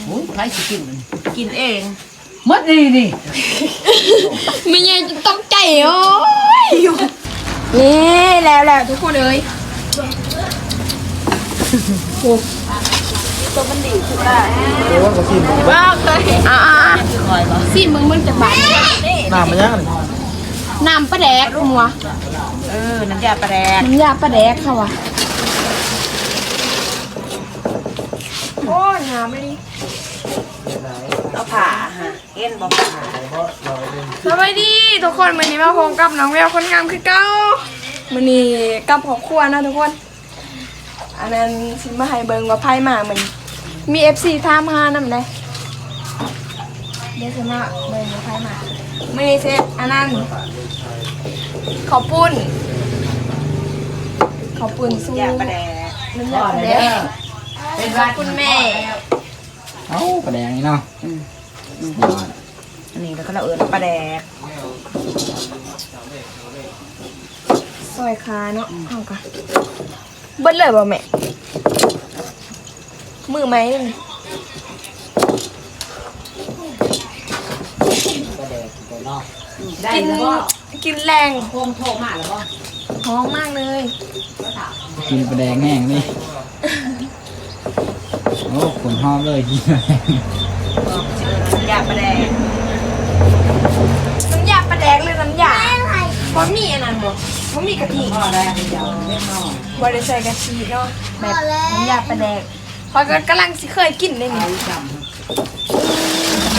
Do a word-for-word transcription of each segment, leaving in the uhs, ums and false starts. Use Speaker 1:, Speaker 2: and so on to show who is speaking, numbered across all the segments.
Speaker 1: โอ้ยใครสิกินมันกินเอง
Speaker 2: มดดีนี่
Speaker 3: ไม่ไงจะต้องใจโอ้ยนี่แล้วแล้วทุกคนเลยตัวมันดีสุดละ
Speaker 4: เดี๋ยวว่าก็ชิม
Speaker 3: ว้าวเคยอ่าสิมึงมึงจะบาด
Speaker 4: น้ำมันยัง
Speaker 3: น้ำปลาแดกหัว
Speaker 1: เออน้ำยาปลาแดก
Speaker 3: น้ำยาปลาแดกค่ะวะโอ้ยน้ำไม่ดี
Speaker 1: เอาผ่าฮะเอ็นบอกผ่า
Speaker 3: สวัสดีทุกคนวันนี้มาพบกับน้องแววคนงามคือเก้าวันนี้กับครอบครัวนะทุกคนอันนั้นสิมาให้เบิงว่าไพ่มาเหมือนมีเอฟซีทามหานำได้เดี๋ยวสิมาเบิงว่าไพ่มาไม่ได้เซฟอันนั้นขอบปุ้นขอบปุ้นสู้
Speaker 1: ยาปลาแดก
Speaker 3: น้ำยาปลาแดก
Speaker 1: เป็น
Speaker 3: ขอบคุณแม่
Speaker 4: เอ้าปลาแดงนี่เนาะ
Speaker 1: อันนี้แล้วก็เราเอิญปลาแดก
Speaker 3: ซอยคาเนาะเอากันเบิ้ลเลยบ่แม่มือไหมนี่
Speaker 2: ปลาแดกตัวเนาะ
Speaker 1: ได้
Speaker 3: กิน
Speaker 1: แล้วก็
Speaker 3: กินแรง
Speaker 2: โคมโทรมาแล้วบ่
Speaker 3: ท้องมากเลย
Speaker 4: กินปลาแดงแห้งนี่โอ้ขนหอมเลยกินปลาแดง
Speaker 1: น้ำยาปลาแดก
Speaker 3: น้ำยาปลาแดกเลยน้ำยาบะหมี่อันนั้นบ่บะหมี่กะทิ
Speaker 1: พ่อได้เดี๋ยวเล่นน้อง
Speaker 3: บริใส่กะทิเนาะแบบน้ำยาปลาแดกพอยก็กำลังสิเคยกินได้นี่
Speaker 1: จำ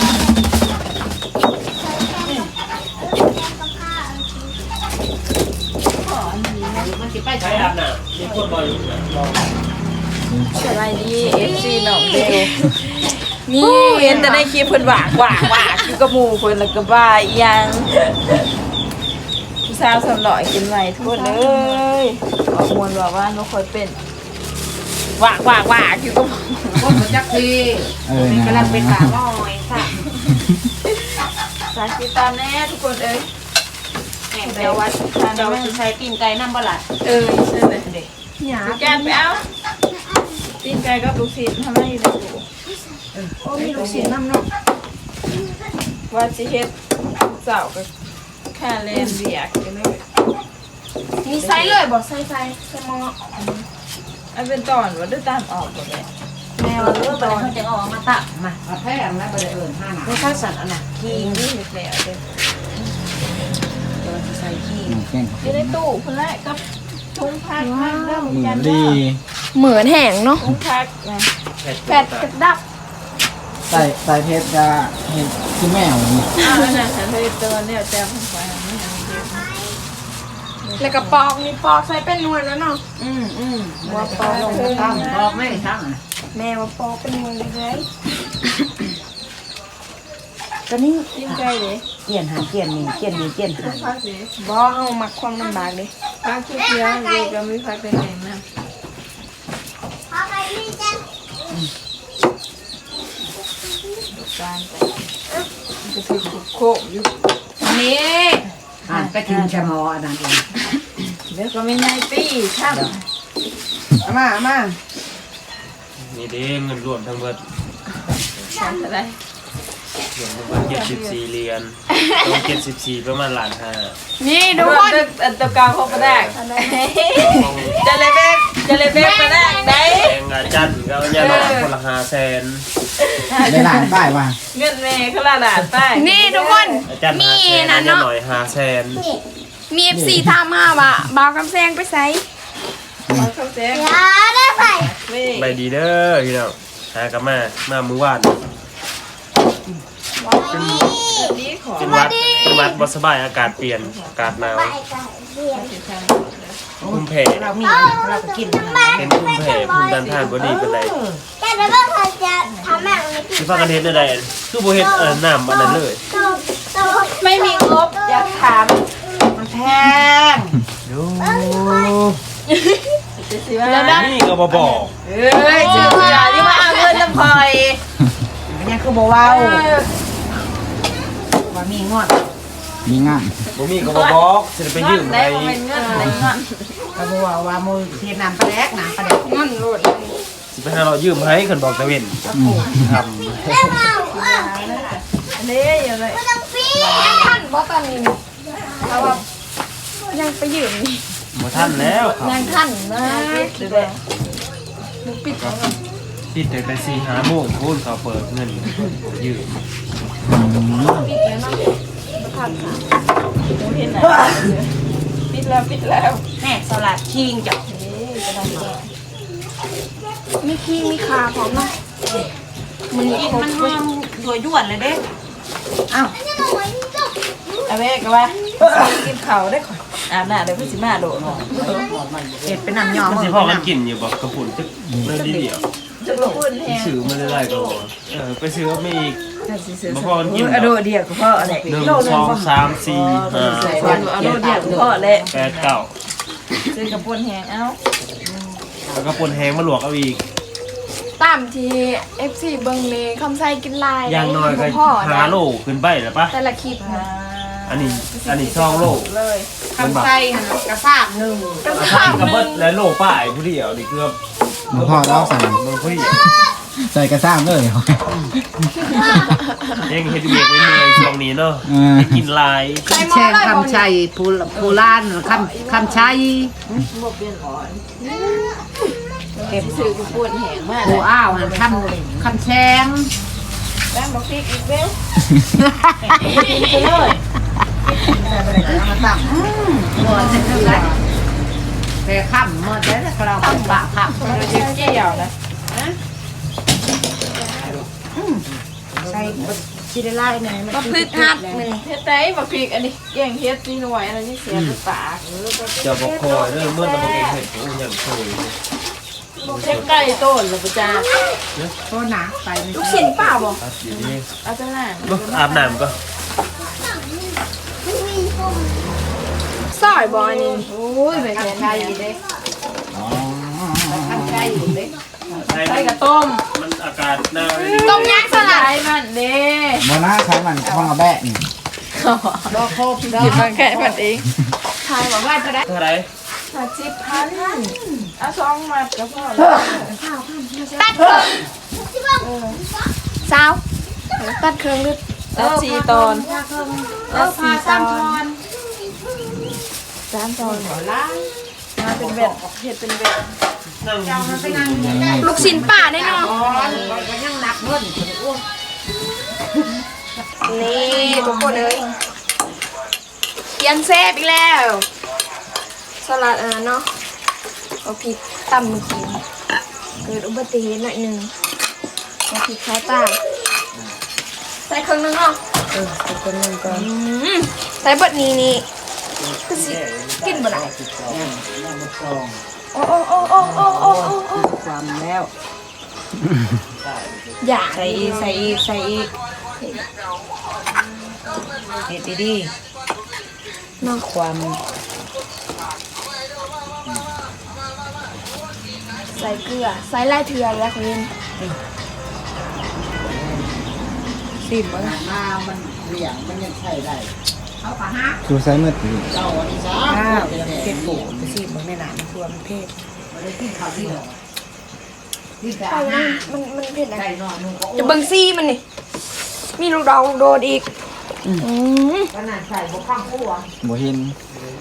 Speaker 2: มันสิไปใช้อาบน้ำมีคนบ่อยู่
Speaker 3: สบายดีเอฟซีน้องเบลนี่เห็นแต่ในคลิปเพิ่นหวากหวากหวากคือกระหมูเพิ่นแล้วก็บ้าอีหยังผู้สาวสำหล่อยกินไหวทุกคนเลยขอมวลบอกว่าน้องคอยเป็นหวากหวากหวากคือกระหมู
Speaker 2: คนมันจักที
Speaker 4: เออ
Speaker 1: นี่
Speaker 4: นะ
Speaker 1: กำลังเป็นปลาลอยค่ะ
Speaker 3: สาธิตตามแน่ทุกคนเอ้ย
Speaker 1: แม่เดี๋ยวว่าเดี๋ยวจะใช้ตีนไก่น้ำบลัด
Speaker 3: เออใช่เลยเด็กหยาแกนไปเอาตีนไก่กับลูกศิษย์ทำให้อยู่ในตู้โอ้มีลูกศิษย์นำเนาะว่าสิเฮ็ดเจ้าก็แค่เล่นเบียกกันเลยมีไซส์เลยบอกไซส์ไซส์ไซส์มออันเป็นตอนว่าได้ตามออกหมดเลย
Speaker 1: แม่ว่าเออตอนเขาจะออกมาตักมา
Speaker 2: มาแพงแล้วบ่ได้เอิ้นห้าหนา
Speaker 1: ไม่ข้าวสัตว์อันน่ะขี้
Speaker 3: ยิงนี่เห็ดแล้วเด้อ
Speaker 1: เดี๋ยวจะใส่ขี้
Speaker 4: หมูแกง
Speaker 3: อยู่ในตู้คนแรกกับทุงพักพักเริ่ม
Speaker 4: หมู
Speaker 3: กัน
Speaker 4: ดี
Speaker 3: เหมือนแห้งเนาะทุงพักนะแปดกระดับ
Speaker 4: ใส่ใส่เพชรจะเห็นคือแมวนี่
Speaker 3: อ้าวน่ะฉันเคยเตือนเนี่ยแจมไปแล้วก็ปอกนี่ปอกใส่เป็นนวลแล้วเนาะ
Speaker 1: อืมอืม
Speaker 3: ว่าปอก
Speaker 1: ลงมาตั้งบอกไม่ทั้ง
Speaker 3: แม่ว่าปอกเป็นนวลเลย
Speaker 1: ก็นี่
Speaker 3: ยิ่งใจเลย
Speaker 1: เกี่ยนหาเกี่ยนมีเกี่ยนมีเกี่ยนหา
Speaker 3: พักเลยบ่เอามาความลำบากเลยพักเพียงเลยก็ไม่พักเป็นแรงนะการไปจะถือขุกโคกอยู่
Speaker 2: นี่อ่านไปถึงชะมออันนั้นเอง
Speaker 3: เดี๋ยวก็ไม่ไงตี้ช่าง
Speaker 2: เอามาเอามา
Speaker 5: นี่เด้เงินรวมทั้งเบิด
Speaker 3: ช่างอะไร
Speaker 5: รวมทั้งเบิดเจ็ดสิบสี่เหรียญต้องเจ็ดสิบสี่ประมาณล้านห้า
Speaker 3: นี่ทุกคนอันตะกาวเขาประแดกจะเลยเบกจะเลยเบกประแดกไหน
Speaker 5: แรงอาจันก็ยาดอกคนละห้าแสน
Speaker 4: ได้หลานป้ายว่ะ
Speaker 3: เงินเมย์เขาละด่าใต้นี่ทุกคน
Speaker 5: อาจัน
Speaker 3: มี
Speaker 5: ห้าแสน
Speaker 3: นะ
Speaker 5: ยา
Speaker 3: เนาะ
Speaker 5: หน่อยห้าแสน
Speaker 3: มีเอฟซีทามห้าว่ะบ่าวกำแซงไปใส่บ่าวกำแซงได้ใส่
Speaker 5: ใบดีเด้อพี่น้องหากลับมามามือวาด
Speaker 3: ดีขอ
Speaker 5: เป็นวัดเป็นวัดบ่สบายอากาศเปลี่ยนอากาศหนาวภูมิแพ้
Speaker 1: เรามีเราก็กิน
Speaker 5: เป็นภูมิแพ้ภูมิต้านทานบ่ดีปานใด
Speaker 6: แต่แล้วก็เขาจะทำแบบนี้
Speaker 5: สิพากันเฮ็ดได้คือบ่เฮ็ดเอ่อน้ำอันนั้นเลย
Speaker 6: ตัวตัว
Speaker 3: ไม่มีงบอยากถาม
Speaker 1: มันแพง
Speaker 5: ดู
Speaker 3: แล้วนะ
Speaker 5: นี่ก็บ่บอก
Speaker 3: เอ้ยชื่อเสียที่มาเอาเงินลำพอย
Speaker 1: มันยังคือบ่ว้าวว่ามีงอด
Speaker 4: มีงาน
Speaker 5: บ่มีก็บ่บอกสิได้ไปยืม
Speaker 3: ได้
Speaker 5: ให้
Speaker 3: เป็นเงินอะไรเงิน
Speaker 1: ก็บ่ว่าว่ามือเทียนน้ำปลาแดกน้ำปลาแดก
Speaker 3: เงินโหลด
Speaker 5: สสิไปหาเรายืมให้คนบอกตะเวนทำ
Speaker 3: นี่อย่างไร
Speaker 6: ไม่ต้องปี
Speaker 3: ท่านบ่ตอนนี้เราว่ายังไปยืมนี่
Speaker 5: หมดท่านแล้วครับ
Speaker 3: ยังท่านนะเดี๋ยวมึงปิดเขาก่อน
Speaker 5: ปิดแต่แต่สี่ห้าโมงพูดเขาเปิดเงินยืม
Speaker 3: ปิดแล้วเนาะบ่ทันค่ะเห็นไหมปิดแล้วปิดแล้ว
Speaker 1: แม่สลัดคิงจ้ะ
Speaker 3: มีขี้มีขาพร้อมเนาะมัน
Speaker 1: กินมันหอมตัวย่วนเลยเด้
Speaker 6: ไม่ต้องไว้ที่จุก
Speaker 1: เอาแม่ก็ว่ากินข้าวได้ก่อนอาบน้ำเดี๋ยวพี่สิมาโดดเนาะเห็ดเป็นน้ำยอม
Speaker 5: มันสิพ่อกันกินอยู่บอกกระปุ่นจะเรื่องดีเดียว
Speaker 1: จะลงพื้นแทน
Speaker 5: ซื้อมาได้ไรก็เออไปซื้อไม่อีกมาพ่อกันกิน
Speaker 1: อะโดดเดียวก็พออะไร
Speaker 5: หนึ่งสองสามสี่ห้า
Speaker 1: อะโดดเดียวก็พอเลย
Speaker 5: แปดเก้า
Speaker 1: ซื้อกระปุนแห้งเอ้า
Speaker 5: แล้วก็ปนแห้งมาลวกเอาอีก
Speaker 3: ตามที่ เอฟ ซี เบิงเลคำไส้กินลาย
Speaker 5: อย่างน้อยก็
Speaker 3: พ่อ
Speaker 5: หาโลขึ้นไปแล้วปะ
Speaker 3: แต่ละคลิปนะ
Speaker 5: อันนี้อันนี้ซองโล
Speaker 1: เลยคำไส้กระซาบหนึ่ง
Speaker 3: ก็
Speaker 5: อา
Speaker 3: ข้า
Speaker 5: ชาว ติกระ
Speaker 3: ห
Speaker 5: เบิ
Speaker 3: นึ่
Speaker 5: ด
Speaker 3: ง
Speaker 5: และโลป้ายผู้เดียวนี่เกือบ
Speaker 4: มาพ่อแล้วสั่ง
Speaker 5: มันผู้เดียว
Speaker 4: ใส่กระซ้ำเลย
Speaker 5: ยังเฮ็ดเวียกไว้เมื่อยช่วงนี้เนาะ
Speaker 4: อืม
Speaker 5: ได้กินลาย
Speaker 3: ใส่หม้อ
Speaker 2: แช่
Speaker 3: เลย
Speaker 2: คำชัยภูภูลานคำคำชัย
Speaker 1: เก็บซื้อกระปุนแห้งมาก
Speaker 2: ภูอ้าวหันคำคำแชง
Speaker 1: แป้งบอกพริกอีกเว้ย
Speaker 2: หมดเสร็จแล้วแต่ค่ำหมดแล้วเราเป็นปะค่ำ
Speaker 1: เราจะเกี่ยวนะ
Speaker 2: ใช่ชิได้ไล่ไงมัน
Speaker 3: บักพริกฮัดนี่เฮ็ดได้บักพริกอันนี้แกงเฮ็ดนี่หน่วยอันนี้เสียบปาก
Speaker 5: จะบอกคอยเด้อเมื่อเราบ่เห็นเห็ดโอ้ยังโชย
Speaker 1: เช็คไก่ต้นหรือปะจ้า
Speaker 2: โทษนะไปไม่
Speaker 3: ลูกชิ้นเปล่าบ่
Speaker 5: ตัดอยู่นี่
Speaker 1: เอาจ้าหน้า
Speaker 5: บ่อาบน้ำก็
Speaker 3: ซอยบ่อันนี้โอ้ยไปแทนได้เด้
Speaker 4: อ๋อ
Speaker 2: คำชัยอยู่เลย
Speaker 5: ใส่
Speaker 1: ไก่กับต้ม
Speaker 5: มันอากาศหนาวเลย
Speaker 3: ต้มยักษ์สลัด
Speaker 1: ไก่มันเด้
Speaker 4: โมนาใช้มันข้องกระแบะนี่
Speaker 2: ดอกโคบดอ
Speaker 1: หยิบ
Speaker 2: ก
Speaker 1: มาแค่ผัดเอง
Speaker 3: ทายบอกว่าจะได้
Speaker 5: เท่าไหร่
Speaker 3: ห้าสิบพัน
Speaker 1: เอาซองมาก็พอ
Speaker 3: ตัดเครื่องสาวตัดเครื่องลึก
Speaker 1: แล้วสี่ตอนแล้วสี่ตอน
Speaker 3: สามตอน
Speaker 1: มาเป็นแบบเห็ดเป็นแบบ
Speaker 5: นั่ง
Speaker 3: ลูกชิ้นป่าได้เนาะ
Speaker 2: ก็ยังหนักเงิน
Speaker 3: นี่ทุกคนเลยเกียนเซฟอีกแล้ว สลัดอ่ะเนาะเอาพริกตำมือกินเกิดอุบัติเหตุหน่อยหนึ่งเอาพริกข้าวตาใส่เครื่องนึงเนาะ
Speaker 2: เออเป็นเงินก่อน
Speaker 3: อืมใส่เบิดนี้นี่ก็สิกินบ่ได้โอ้โอ้โอ้โอ้โอ้โอ้โอ้
Speaker 2: ความแล้ว
Speaker 3: อย่า
Speaker 1: ใส่อีกใส่อีกใส่อีกเห็ดดี
Speaker 3: เนาะ
Speaker 1: ๆความ
Speaker 3: ใส่เกลือใส่ไล่เถื่อนแล้วคนนี้
Speaker 1: สิบมั้ง
Speaker 2: มามันเหลี่ยงมันยังใช้ได้เขาปะฮะ
Speaker 4: ดูไซส์มืดอยู่
Speaker 2: เจ้าอันนี้จ้า
Speaker 1: ข้าวเผ็ดปูไปสิบมั้งในหนามันตัวมันเผ็ด
Speaker 2: ไม่ได้กินข้าวที่หรอที่แต่
Speaker 3: เอา
Speaker 2: หน้า
Speaker 3: มันมันมันเผ็ดอะไร
Speaker 2: ไก่นอนมึงก็
Speaker 3: จะเบิ่งซี่มันนี่มีลูกดอกลูกโดดอีกอืม
Speaker 2: ขนาดใส่บกข้างคู่อ่ะ
Speaker 4: โบหิน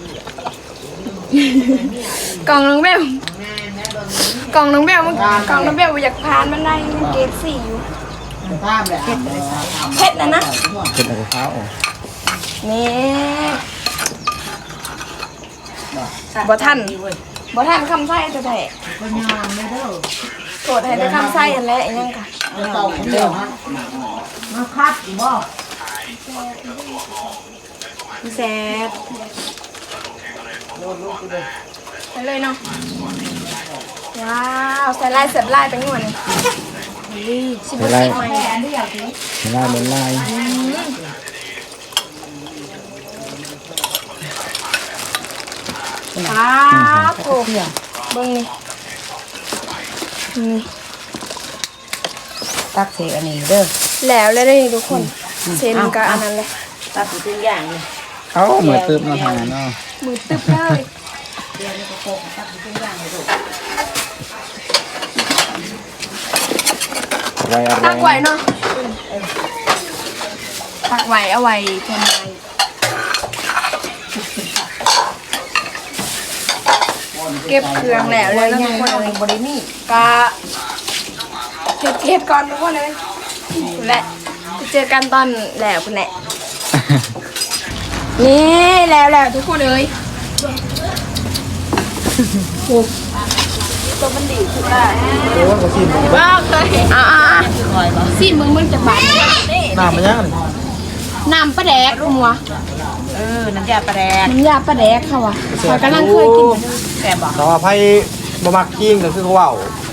Speaker 3: กล่องน้องเบล
Speaker 2: แม่แม่โดน
Speaker 3: กล่องน้องเบลมันกล่องน้องเบลอยากพานมันได้มันเกรดสี่อยู่
Speaker 2: ภาพเลยอ่ะ
Speaker 3: เผ็ดนะนะ
Speaker 4: เป็นอะไรเท้าออก
Speaker 3: นี่บ่ทันบ่ทันคำไส้จะแท้
Speaker 2: ก็ยามไม่เด้อ
Speaker 3: โกรธให้แต่คำไส้อันแรกอันยังค่ะ
Speaker 2: เต่าเดียวฮะมาคัดบ่
Speaker 3: แซ่บไปเลยเนาะว้าวใส่ลายเสียบลายไปหน่อยหนึงชิบะ
Speaker 4: ไล่
Speaker 3: ชิบไหม
Speaker 4: ไล่บนไล่
Speaker 3: ว้าวโอ้เบิ่งนี่นี่
Speaker 1: ตักเสอันนี้เด้อ
Speaker 3: แล้วแล้วได้นี่ทุกคนเซนกับอันนั้นเลย
Speaker 1: ตักเป็นอย่างนี้
Speaker 4: เขาเหมือนตึบมาทางนั้นเนาะ
Speaker 3: มือตึ๊บเลย
Speaker 2: เดี๋ยวนี้ก็โคกตัดเป็นอย่างเลยลูก
Speaker 4: ไว้อะไร
Speaker 3: ตักไว้เนาะตักไว้เอาไว้ทำไมเก็บเครื่องแล้วเลยนะทุกคนเลยบรินี่ก็เก็บเก็บก่อนทุกคนเลยและจะเจอกันตอนแล้วคุณแหละนี่แล้วแล้วทุกคนเลยตัวมันดีสุดละว้าวเคยอ่าสิมึงมึงจะบาด
Speaker 4: น้ำมันยัง
Speaker 3: น้ำปลาแดกมัว
Speaker 1: เออน้ำยาปลาแดก
Speaker 3: น้ำยาปลาแดกค่ะวะข้อยกำลังเคยกินมาด้วย
Speaker 1: แกบอก
Speaker 4: แต่ว่าไพ่บะมักคิงก็คือเขาว่าว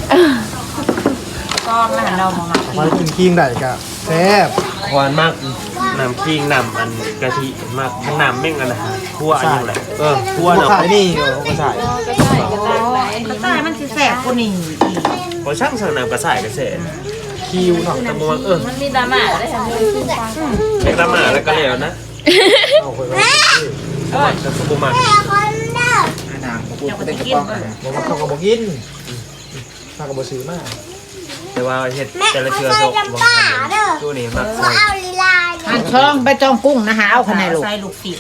Speaker 1: ก้อนแล้วเรามาหมัก
Speaker 4: ไพ่กินคิงได้กะแซ่บ
Speaker 5: หวานมากน้ำขิงน้ำอันกะทิมากทั้งน้ำแม่งกันนะคั่วอันนี้แหละเออคั่ว
Speaker 4: เขา
Speaker 5: เนาะ
Speaker 4: ขายนี่เขาขาย
Speaker 1: ก็ใช่มันสิแสบกว่านี้
Speaker 5: พอช่างสั่งน้ำกระส่ายกระเสน
Speaker 4: คิวเนาะ
Speaker 5: แต่บ่ว่าเออ
Speaker 1: มันมีดราม่าได้ทำเลย
Speaker 5: เล็กละหมาแล้วก็แล้วนะ
Speaker 4: เอาไปไว้
Speaker 5: ก็จะสบุมัก
Speaker 4: น้ำพูดก็ได้กระป๋องบอกว่าเขาก็บอกกินถ้าก็บอกซื้อมา
Speaker 5: แต่ว่าเฮ็ดแต่ละเทือโซกบางครั้งตัวนี้มักใส่
Speaker 2: หันช่องไปจองกุ้งนะฮะเอาขนาดลูก
Speaker 1: ใส่ลูกปิ่น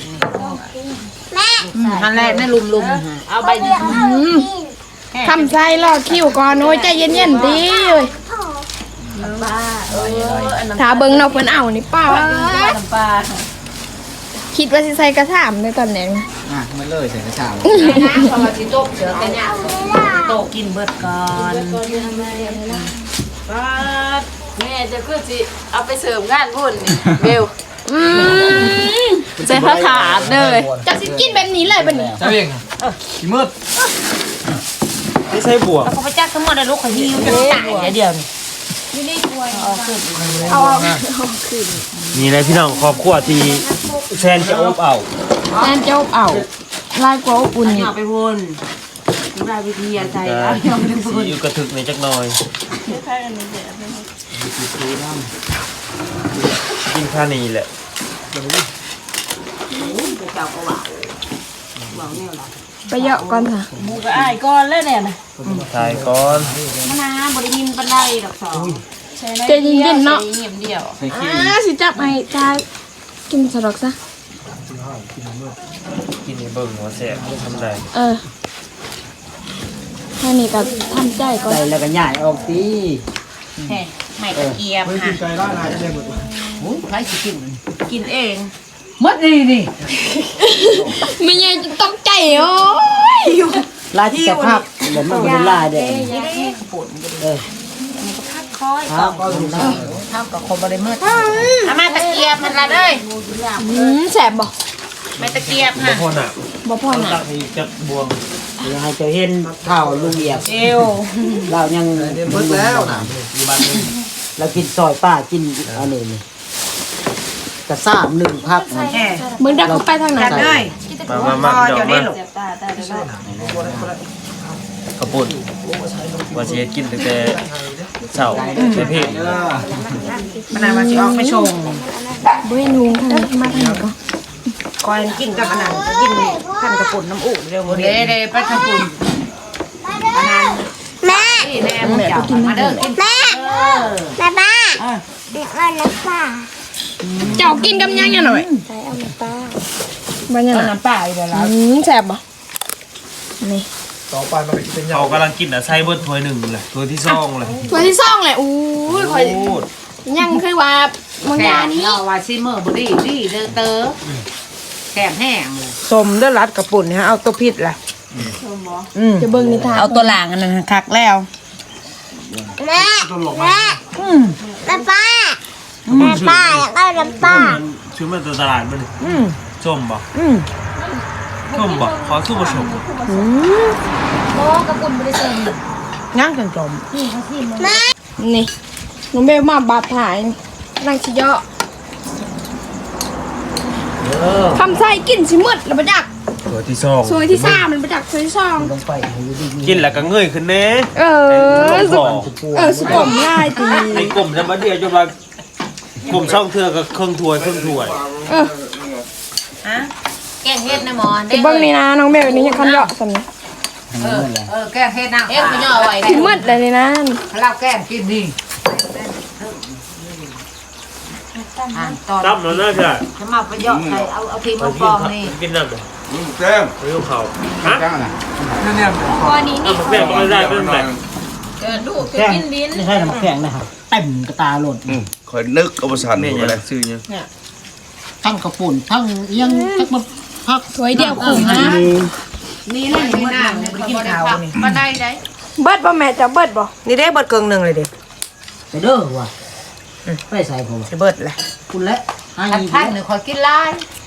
Speaker 2: หันแรกนั่นลุมลุม
Speaker 1: เอาใบนี้
Speaker 3: ทำไส้รอคิวก่อนโอ้ยใจเย็นๆดิเอ้ย
Speaker 1: บ้าเอออันน้ำ
Speaker 3: ถ้าเบิ่งเนาะเพิ่นเอานี่ป้า
Speaker 1: น้ำปลา
Speaker 3: คิดว่าสิใส่กระถามในตอนนี้
Speaker 4: อ่ะมันเลยใส่กระชา
Speaker 2: นะพอมาจิโต๊ะเจอกันเนี่ย
Speaker 1: โตกินเบิดก่อนป้าแม่จะคือสิเอาไปเสริมงานบุญนี่เบล
Speaker 3: อืม
Speaker 1: ใส่ผ้าขาดเลย
Speaker 3: จะสิกินแบบนี้เลยบัดนี้
Speaker 4: ใช่เองขี้มืด
Speaker 5: ไม่ใช่บวก
Speaker 1: เขาไปจักทั้งหมดเลยลูกเขาหิวจะตายเดียวนี่เอาขึ้น
Speaker 3: เอาออก
Speaker 5: นี่เลยพี่น้องครอบครัวที่แฟนจะอบเอา
Speaker 3: แอนเจ้าเอาลายกว่าอบอุ่นนี่
Speaker 1: เอาไปบุญรายวิทยาใจ
Speaker 5: ก็
Speaker 1: เอาไปบุ
Speaker 5: สี
Speaker 1: ญ
Speaker 5: อยู่กระถึกในจักหน่อยกินข้าวนี่แหละ
Speaker 1: เจ้าก็ว่าหวังเนี่ยหรอ
Speaker 3: ไปเยอะก่อนค่ะ
Speaker 1: มูก็อายก้อนแล้วเนี่ยนะ
Speaker 5: ถ่ายก่อน
Speaker 1: มะนาวบริมินปันไดดอกสอง
Speaker 3: ใจเย็นๆเนาะ
Speaker 1: เงียบเดียว
Speaker 3: อ่าสิจับให้จายกินสะดอกซะ
Speaker 5: กินในเบิ่งหัวแสบทำได้
Speaker 3: เออแค่นี้ก็ทำใจก่อน
Speaker 4: ใส่แล้วก็ใหญ่ออกตี
Speaker 1: แห่ไม่ตะเกียบ
Speaker 4: ไม่
Speaker 1: ค่ะ
Speaker 4: กินไก่ร้านไหนได้หมด
Speaker 2: โอ้ใครสิกิน
Speaker 1: กินเอง
Speaker 2: มัดนี่นี่
Speaker 3: ไม่ยังจะต้องใจโอ้ย
Speaker 4: ลายที่สภาพเหมือนมันเป็นลายเด็ก
Speaker 1: ยาแก้ปวด
Speaker 4: เออ
Speaker 1: พักคอย
Speaker 4: ครับก็อยู่นะ
Speaker 1: เท่ากับคนบริเมิดอามาตะเกียบมันละเลย
Speaker 3: อืมแสบบ่
Speaker 1: ไม่ตะเกียบ
Speaker 5: บ่
Speaker 1: ค่ะ
Speaker 5: พอหนัก
Speaker 3: บ่พอ
Speaker 5: ต้อง
Speaker 3: น่ะ
Speaker 5: ตักให้จักบวง
Speaker 4: ยังไงจะเห็นเท่าลุงเอียบ
Speaker 1: เอว
Speaker 4: เรายังมึดแล้วนะ
Speaker 5: อยู่บ้านนึง
Speaker 4: เรากินซอยป้ากินอันนี้นี่กระซ่ามหนึ่งพักนะ
Speaker 1: แห่
Speaker 3: มึงดักเข้าไปทางไหน
Speaker 1: กันเลย
Speaker 5: มามามาเดี๋ยวมา
Speaker 1: ตาตาเดี๋ยว
Speaker 5: ขาวปุ่นว่าสิเฮ็ดกินตั้งแต่เช้าในเพจ
Speaker 1: มะนาวมาสิออกไปชง
Speaker 3: บ่ให้นุงทางนี้มาทางนี้ก่อน
Speaker 1: คอยกินกับอันนั้นกินขั้นกระปุ่นน้ำอุ่นเร็วเร็
Speaker 2: เด้เด้ไปทำบุญ
Speaker 6: แม่
Speaker 1: นี่แน่มึงเจ้ามาเด้อกิน
Speaker 6: แม่แม่ป้าเดี๋ยวเอาน้ำปลา
Speaker 3: เจ้ากินกับยังยังหน่อย
Speaker 6: ใส่เอาน้ำปลา
Speaker 3: บ่ยัง
Speaker 1: เอา
Speaker 3: น่ะ
Speaker 1: น้ำปลาอีกแล้ว
Speaker 3: อืมแสบบ่นี่
Speaker 4: ต่อไปมันเป็นยา
Speaker 5: เขากำลังกินอ่ะใส่เบิดถ้วยหนึ่งเลยถ้วยที่สองเลย
Speaker 3: ถ้วยที่สองแหละอู้ยข่อย
Speaker 5: โอ้
Speaker 3: ยังคือว่าบาง
Speaker 2: แข
Speaker 3: อย่าง
Speaker 2: ก
Speaker 3: นี้
Speaker 2: เราว่าซิเมอร์บดีดีเด้อเตอแขกแห้งเลย
Speaker 1: สมเด้อรัดกระปุ่นฮะเอาตัวพิษล่ะ
Speaker 3: จะเบิ่งนิทาน
Speaker 1: เอาตัวหลางอันนั้นคักแล้ว
Speaker 6: แม่แม่แม่ป้าแม่ป้าอยากเอาน้ำปลา
Speaker 5: ชื่อมันตัวตลาดมันส้มบ่ส้มบ่ขอสู้ผสม
Speaker 1: ย่างจนจม
Speaker 3: นี่น้องเบลมาบาดถ่ายนางชิเยาะคำไส้กินสิมืดแล้วประจัก
Speaker 5: ถ้วยที่สอง
Speaker 3: สวยที่สามมันประจักสวยที่สอง
Speaker 4: ลงไปอยู่ดี
Speaker 5: กินแล้วก็เงยขึ้นแน่
Speaker 3: เออ
Speaker 5: ลง
Speaker 3: สุ
Speaker 5: บ่อ
Speaker 3: เออสุกมง่ายตี
Speaker 5: ไอ้กลมจะมาเดียวจนว่ากลมช่องเทือกับเครื่องถ้วยเครื่องถ้วย
Speaker 3: เออ
Speaker 1: ฮะแกงเฮ็ดนะหมอ
Speaker 3: จะเบิ่งนี่นะน้องเบลนี่ยังคันเยาะสันนี่
Speaker 2: เออเออแกงเฮ็ดน้ำ
Speaker 1: เอ๊ะคุณย่อไว้
Speaker 3: สิมืดเลยนี่นะ
Speaker 2: เราแกงกินนี่อ่านตอน
Speaker 5: ตั้มแล้วนะใช่
Speaker 2: จะมาประโยชน์ใส่เอาเอาทีม
Speaker 5: ไป
Speaker 2: มา
Speaker 5: กิ
Speaker 2: ฟ
Speaker 5: น
Speaker 2: อง
Speaker 5: ข้าว
Speaker 2: นี่
Speaker 5: กินน้ำเลย
Speaker 4: แจ้ง
Speaker 5: ไปกินข้าวฮะ
Speaker 4: จ้างน่ะ
Speaker 3: วันนี้
Speaker 5: น้ำแม่ก็ไม่ได้เป็นแบบ
Speaker 1: เกิดลูกคือกินดิน
Speaker 7: ไม่ใช่น้ำแข็งนะครับเต็มกระตาหล่น
Speaker 4: คอยนึกเอาประสาน
Speaker 5: แม่
Speaker 4: ดู
Speaker 5: ยัง
Speaker 4: เลย
Speaker 5: ซื้อยัง
Speaker 7: ทั้งกระปุ่นทั้งเอียงทั้งมาพัก
Speaker 3: ถ้วยเดียวครึ่งนะ
Speaker 2: นี่แหละนี่น้ำเนี่ยไปกินข้าวนี่มาได้ได้
Speaker 3: เบิดบ่แม่จะเบิดบ่
Speaker 1: นี่ได้เบิดเกิงหนึ่งเลยเด็ก
Speaker 7: ไปเด้อว่ะไปใส่ผม
Speaker 1: จะเบิดแหละ
Speaker 7: คุณและให้
Speaker 2: ทันทันหนึ่งคอยกินลาย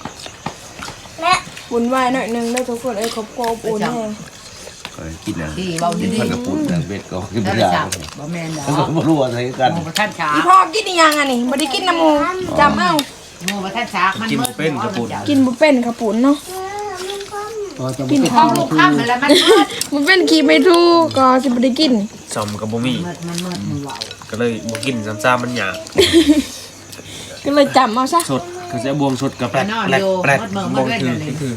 Speaker 3: บุญไหวายหน่อยหนึงได้ทุกคนเอ้ยครบครบอุ่นแห้ง
Speaker 4: คอยกินนะ
Speaker 2: ที่เบาดี
Speaker 4: พันกระปุกนางเบ็ดก็กิน
Speaker 2: ๆ
Speaker 4: ไม่
Speaker 2: ได้
Speaker 4: ได้
Speaker 2: จับบ่แม่นดอก
Speaker 4: แล้วก็ไม่รู้อะไรกัน
Speaker 2: หมูกระทันฉา
Speaker 3: อีพ่อกินอีหยังอ่ะนี่บ่ได้กินน้ำหมูจำเอา
Speaker 2: หมูกระทันฉามัน
Speaker 5: กินเป็นกระปุก
Speaker 3: กินบ่เป็นข้าวปุ้นเนาะ
Speaker 7: พอจะ
Speaker 3: กิน
Speaker 2: ข้าวลูกข้ามอะไรมันมืด
Speaker 3: มันเป็นขี้ไม่ถูกก็สิบ่ได้กิน
Speaker 5: ซอมกับบ่มี
Speaker 2: มืดมันมืดมันเบา
Speaker 5: ก็เลยบ่กินซ้ำๆมันหยาบ
Speaker 3: ก็เลยจำเอาซะ
Speaker 5: สดก็จะบวงสดกับแปลกแปลกแปลกบวงคือคือ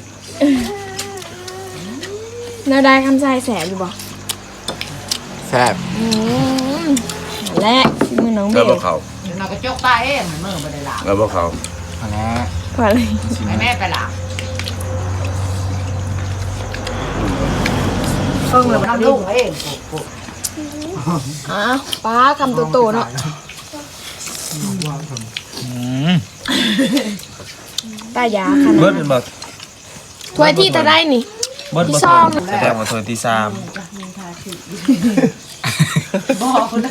Speaker 3: แนวได้คำใส่แสบอยู่บ่
Speaker 4: แซ่บ
Speaker 3: อืมและที่มือน้องเบ
Speaker 4: แล้ว
Speaker 3: ล
Speaker 4: พวกเขา
Speaker 2: เราก็จกตาเองมือไม่ได้ละ
Speaker 4: แล้วพวกเขา
Speaker 7: พอแล้ว
Speaker 3: พอเลย
Speaker 2: ให้แม่ไปละ
Speaker 1: เพิ่งเลย
Speaker 2: ทำลูกเอง
Speaker 3: อ้าวป้าคำโตๆเนาะตายาขนา
Speaker 5: เบิ
Speaker 3: ด
Speaker 5: ดเป็นบ่
Speaker 3: ถ้วยที่จะได้นี่
Speaker 5: เบิดบ่
Speaker 3: ที่ซ่อม
Speaker 5: แสดงว่าถ้วยที่สาม
Speaker 2: บอกคนได้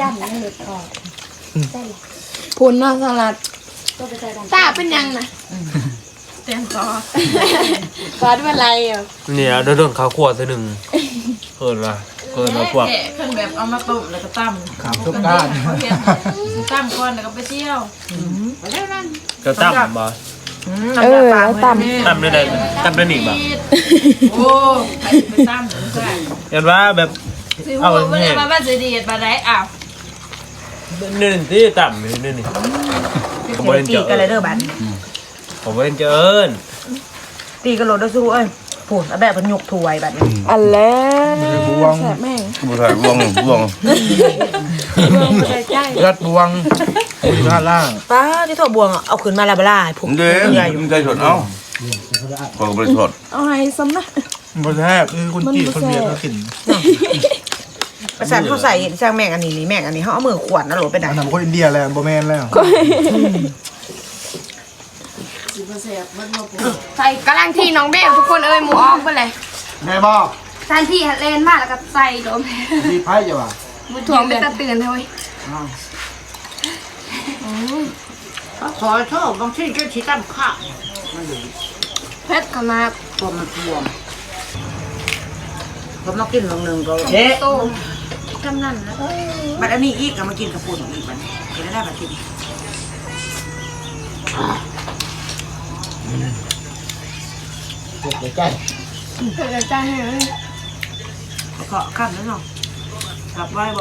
Speaker 3: พุนเนาะสลัดตาเป็นยังนะ
Speaker 1: เต็มคอ
Speaker 3: ตาเป็นไรอ่ะ
Speaker 5: เนี่ยโดนข้าวคั่วตัวนึงเพิ่นว่าเพิ่นว่าพวก
Speaker 1: แกะขึ้นแบบเอามาต้มแล้วก็ตั้ม
Speaker 4: ขามทุกก้าน
Speaker 1: ตั้มก่อนแล้วก็ไปเที่ยว
Speaker 2: ไปแล้วนั่น
Speaker 5: ก็ตั้มบ่
Speaker 3: เออแล้วต
Speaker 5: ตั้มได้ได้ตั้มได้นี่บ่
Speaker 1: โอ้ไปไปตั้มใช่
Speaker 5: ยันว่าแบบ
Speaker 1: สิหัวไม่ได้มาบ้านเสียดีดมาได้อ้าว
Speaker 5: นี่ที่ตั้มนี่นี่ผมบ่เห็น
Speaker 1: ตี
Speaker 5: เจอ
Speaker 1: กันเลยเด้อบัด
Speaker 5: ผมบ่เห็นเจอเอิ้น
Speaker 1: ตีกันโหลดได้สู้เอ้ยผูนเอาแบบมันยกถวยบัดนี้
Speaker 3: ำอันแล้วแสบแม่ง
Speaker 4: ผู้ชายบวงบวง
Speaker 3: เรื่องไม่ได้ใจ
Speaker 4: รัดบวงอยู่ด้านล่าง
Speaker 1: ป้าที่โถบวงเอาขึ้นมาแล้วบ่ล่ะผูก
Speaker 4: เด้มันใจสดเอ้าพอก็ไปสด
Speaker 3: เอาให้ซ้ำนะ
Speaker 4: บ่แซ่บคือคนจีนคนเวียดเขากิน
Speaker 1: ประสานเขาใส่ช่างแม่งอันนี้นี่แม่งอันนี้เขาเอามือขวดนะโหลดไปไหน
Speaker 4: อันนั้นคนอินเดียแล้วบ่แม่นแล้ว
Speaker 3: ใส่กำลังที่น้องเบลทุกคนเอ้ยหมูออกไปเลย
Speaker 4: แม่บอก
Speaker 3: ทานที่ฮัดเลนมากแล้วก็ใส่โดม
Speaker 4: ดีไพ่จ้ะว่ะ
Speaker 3: มือถ่วงเป็นตะเตือนเฮ้ย
Speaker 2: ขอโทษบางทีก็ชี้ตั้มข้าว
Speaker 3: เพชรขนาด
Speaker 2: ตัวมันบวมก็มากินลงหนึ่งก็
Speaker 3: เอ๊ะโตทำนั่นนะ
Speaker 1: บัดอันนี้อีกเอามากินกับปุ่นอีกบัดกินได้บัดกิน
Speaker 7: เดี๋ยวใจ
Speaker 3: เกิดใจให้เลย
Speaker 1: เกาะข้ามแล้วเนาะกลับไว้บ่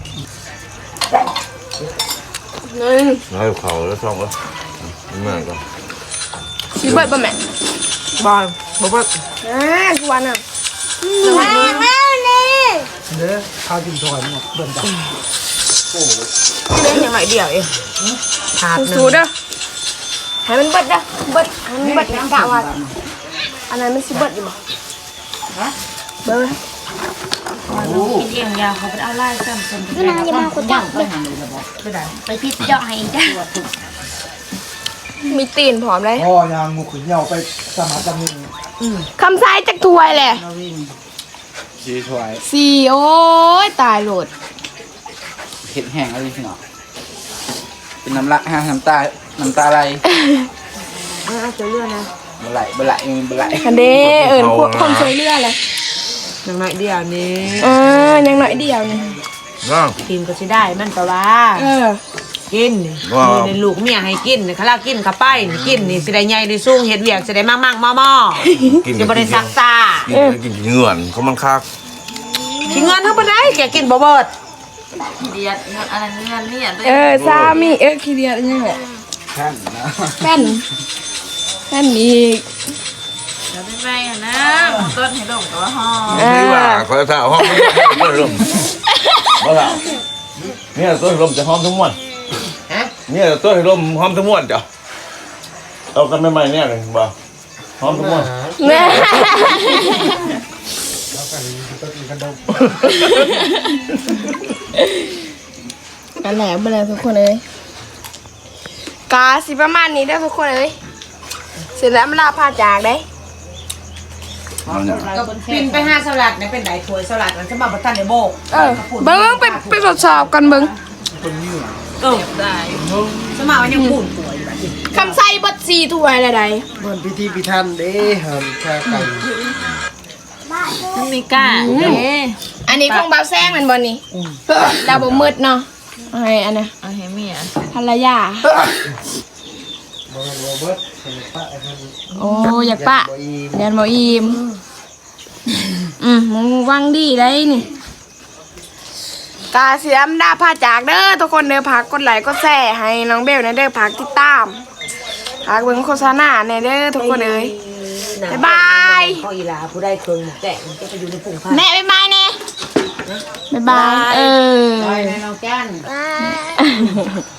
Speaker 3: หนึ่ง
Speaker 4: ให้เขาแล้วช่องแล้วมาก็
Speaker 3: ชิเบิร์ดป่ะแม่
Speaker 1: บอลบอกว่า
Speaker 3: อ่าทุกวันอ่ะ
Speaker 6: แม่แม่นี่
Speaker 4: เด้อข้าวกินถอยหมดเบิ่งจ้ะ
Speaker 1: เล่นอย่างไรเดียวเองถาดหนึ่ง
Speaker 3: สูดๆเด้อให้มันเบิดเด้อเบิดให้มันเบิดกะว่าอันนั้นมันสิเบิดอยู่บ่เบิด
Speaker 1: กินเองยาเขาไปเอาไล่ซ้ำซ้ำ
Speaker 6: พี่นางอย่ามาคุยจับ
Speaker 2: ไปทางนี้แล้วบอก
Speaker 1: ไปไหน
Speaker 6: ไปพิษเจาะให้จ้ะ
Speaker 3: มีตีนผอมเลย
Speaker 4: พ่อยางงูขุนเหยาไปสมัครจำนึง
Speaker 3: คำซ้ายจากถวยแหละ
Speaker 4: ชีถอย
Speaker 3: สี่โอ้ยตายโหลด
Speaker 7: เห็ดแห้งอะไรพี่น้องเป็นน้ำละฮะน้ำตา น้ำตาไหล
Speaker 1: เอาเจอเรื่องนะ
Speaker 7: บไหลบไหลบไหล
Speaker 3: คันเด้เอิญพวกคนช่วยเรือเลย
Speaker 1: อย่างไรเดียวนี้
Speaker 3: เออยังหน่อยเดียวนี่
Speaker 4: น้อง
Speaker 1: กินก็สิได้มันแต่ว่า
Speaker 3: เออ
Speaker 1: กินนี่นี่ในลูกเมียให้กินนี่เขาลากินข้าไปนี่กินนี่สิได้ใหญ่ได้สูงเฮ็ดเวียกสิได้มากมากม่อม่อจะบ่ได้ซักตา
Speaker 4: กินกินเงื่อนเขามันคัก
Speaker 1: กินเงินเท่าบ่ได้แกกินบ่เบิด
Speaker 6: เดียดอะไรเงี้ยเนี่ย
Speaker 3: เออซามีเออขี้เดียดอันยังไง
Speaker 7: แค่นนะ
Speaker 3: แป้นแป้นอีก
Speaker 6: เดี๋ยวไปนะต้นให้ดมกับว่าห่อ
Speaker 4: นี่ว่าเขาจะถ่าห้องไม่ลมบ่ล่ะเนี่ยต้นลมจะหอมทุกวัน
Speaker 2: ฮะ
Speaker 8: เนี่ยตัวให้ลมหอมทั้งมวลจ้ะเอากันใหม่ๆเนี่ยเลยบ่หอมทั้งมวล
Speaker 3: แม่กันแหลมไปเลยทุกคนเลยกาสิประมาณนี้ได้อทุกคนเลยเสร็จแล้วมันลาพาจากได้
Speaker 1: ก็ปินไปห้าสลัดเนี่ยเป็นไหนถ้วยสลัดมันจะมาบัตตันในโบก
Speaker 3: เออเบิ้งไปไปทดสอบกันเบิ้ง
Speaker 1: เออได้สมัครมันยังปุ่นตัวอยู่แบบนี้
Speaker 3: คำไส้บัดซีถ้วยอะไรใด
Speaker 4: มันพิธีพิธันเด้หันชาไก่
Speaker 1: มันมีก้า
Speaker 3: อันนี้ของเบาแซงมันบอนี่ดาวบ่มืดเนาะเอาให้อันเนี้ย
Speaker 1: เอาให้เมีย
Speaker 3: ภรรยา
Speaker 4: บ่บ่เบิดเป็นปะไอ้ท่าน
Speaker 3: โอ้อยากปะ
Speaker 4: บ่อีม
Speaker 3: เรียนบ่อิ่มอืมมึงวังดีได้นี่กาเสียมดาพาจากเด้อทุกคนเด้อพักกดไลค์กดแชร์ให้น้องเบลนะเด้อพักติดตามพักเบิ่งโฆษณาในเด้อทุกคนเอ้ยบ๊ายบาย
Speaker 1: ข้ออีลาผู้ได้เครื่องแกะมันจะไปอยู่ในปุ่งผ้า
Speaker 3: แม่บ๊ายบายเน่บ๊ายบายเออ
Speaker 2: ไปในน้องแก้น
Speaker 6: Bye.